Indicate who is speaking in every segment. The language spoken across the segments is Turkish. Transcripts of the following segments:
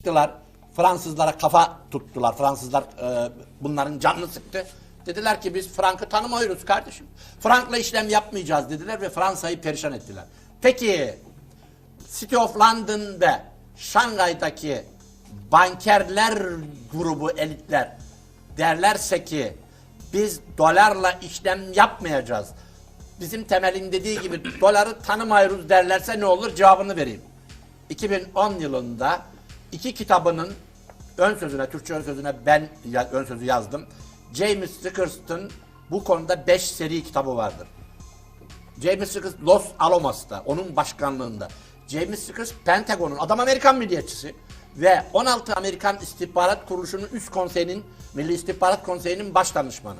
Speaker 1: Gittiler, Fransızlara kafa tuttular. Fransızlar bunların canını sıktı. Dediler ki biz Frank'ı tanımıyoruz kardeşim. Frank'la işlem yapmayacağız dediler ve Fransa'yı perişan ettiler. Peki City of London ve Şangay'daki bankerler grubu, elitler derlerse ki biz dolarla işlem yapmayacağız. Bizim Temel'in dediği gibi doları tanımıyoruz derlerse ne olur? Cevabını vereyim. 2010 yılında iki kitabının ön sözüne, Türkçe ön sözüne ben ön sözü yazdım. James Rickerson'ın bu konuda 5 seri kitabı vardır. James Rickers Los Alamos'ta, onun başkanlığında. James Rickers Pentagon'un, adam Amerikan milliyetçisi ve 16 Amerikan İstihbarat Kuruluşu'nun üst konseyinin, Milli İstihbarat Konseyi'nin baş danışmanı.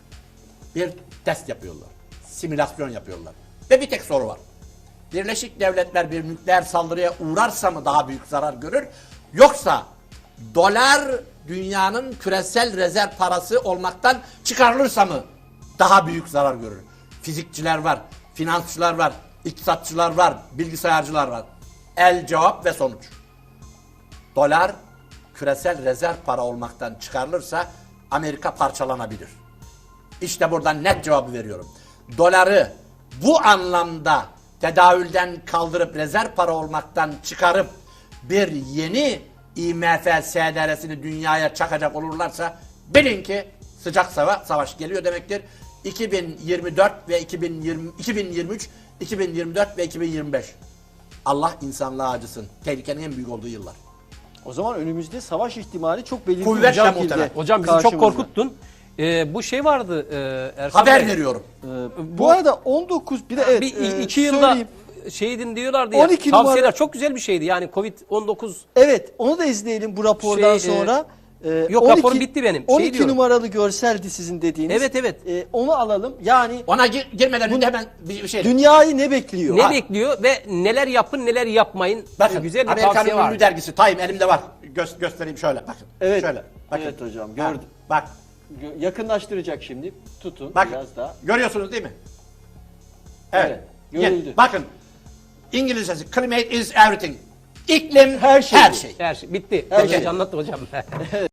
Speaker 1: Bir test yapıyorlar. Simülasyon yapıyorlar. Ve bir tek soru var. Birleşik Devletler bir nükleer saldırıya uğrarsa mı daha büyük zarar görür? Yoksa dolar dünyanın küresel rezerv parası olmaktan çıkarılırsa mı daha büyük zarar görür? Fizikçiler var, finansçılar var, iktisatçılar var, bilgisayarcılar var. El cevap ve sonuç. Dolar küresel rezerv para olmaktan çıkarılırsa Amerika parçalanabilir. İşte buradan net cevabı veriyorum. Doları bu anlamda tedavülden kaldırıp rezerv para olmaktan çıkarıp bir yeni IMF SDR'sini dünyaya çakacak olurlarsa bilin ki sıcak savaş geliyor demektir. 2024 ve 2023, 2024 ve 2025. Allah insanlığa acısın. Tehlikenin en büyük olduğu yıllar.
Speaker 2: O zaman önümüzde savaş ihtimali çok belirgin.
Speaker 1: Kuvvetle muhtemel.
Speaker 3: Hocam bizi çok korkuttun. Bu şey vardı Erkan
Speaker 1: Haber
Speaker 3: Bey.
Speaker 1: veriyorum.
Speaker 2: Bu arada 19 bir de evet,
Speaker 3: Bir iki yılda
Speaker 2: söyleyeyim.
Speaker 3: şeydin diyorlardı ya.
Speaker 2: 12
Speaker 3: Tavsiyeler
Speaker 2: numara.
Speaker 3: çok güzel bir şeydi. Yani Covid-19
Speaker 2: Evet, onu da izleyelim bu rapordan
Speaker 3: Şey,
Speaker 2: sonra.
Speaker 3: yok, raporum bitti benim.
Speaker 2: 12
Speaker 3: diyorum.
Speaker 2: numaralı görseldi sizin dediğiniz.
Speaker 3: Evet, evet.
Speaker 2: Onu alalım. Yani
Speaker 1: Ona girmeden önce hemen bir şey.
Speaker 2: dünyayı ne bekliyor?
Speaker 3: ne bekliyor ve neler yapın neler yapmayın.
Speaker 1: Bakın
Speaker 3: Güzel bir
Speaker 1: Amerika'nın
Speaker 3: tavsiye var.
Speaker 1: ünlü dergisi Time elimde var. Göstereyim şöyle. Bakın.
Speaker 2: Evet.
Speaker 1: Şöyle. Bakın.
Speaker 2: Evet hocam,
Speaker 1: Ha,
Speaker 2: gördüm.
Speaker 1: bak.
Speaker 2: Yakınlaştıracak şimdi. Tutun
Speaker 1: Bak.
Speaker 2: biraz daha.
Speaker 1: Görüyorsunuz değil mi? Evet.
Speaker 2: Evet, görüldü.
Speaker 1: Bakın. İngilizcesi climate is everything. İklim
Speaker 2: Her şey.
Speaker 1: Her şey.
Speaker 3: Her şey bitti.
Speaker 2: Her
Speaker 3: Her
Speaker 2: şey.
Speaker 3: anlattı hocam.